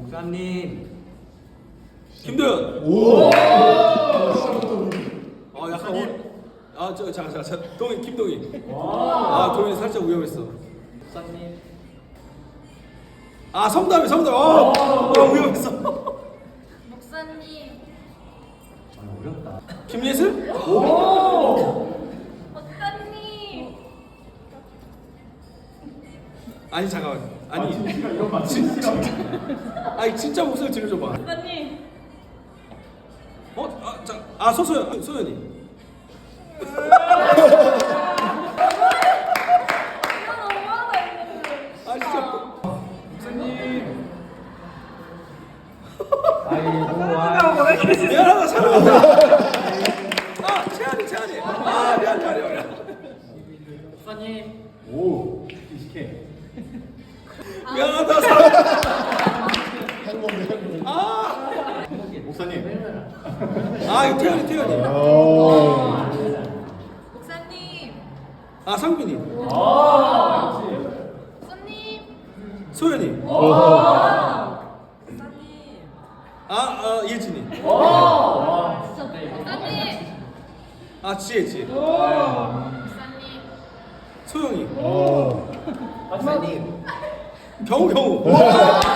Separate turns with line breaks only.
목사님.
김도현.
오.
약간 자 동희 김동희. 동희 살짝 위험했어.
목사님.
성담이 위험했어.
목사님.
어렵다.
김예슬?
목사님.
아니 잠깐만. 아니 진짜 목소리 들려줘봐.
목사님.
소연이.
이거 너무하다 이거.
진짜.
목사님. 아이고
미안하다 사랑한다. 채연이. 미안.
목사님.
오. 이식해.
미안하다 사랑한다.
행복해. 목사님.
이거 태연이.
목사님.
상빈이.
목사님.
소연이.
목사님.
예진이.
목사님.
지혜지.
목사님.
소영이.
오.
목사님.
경우.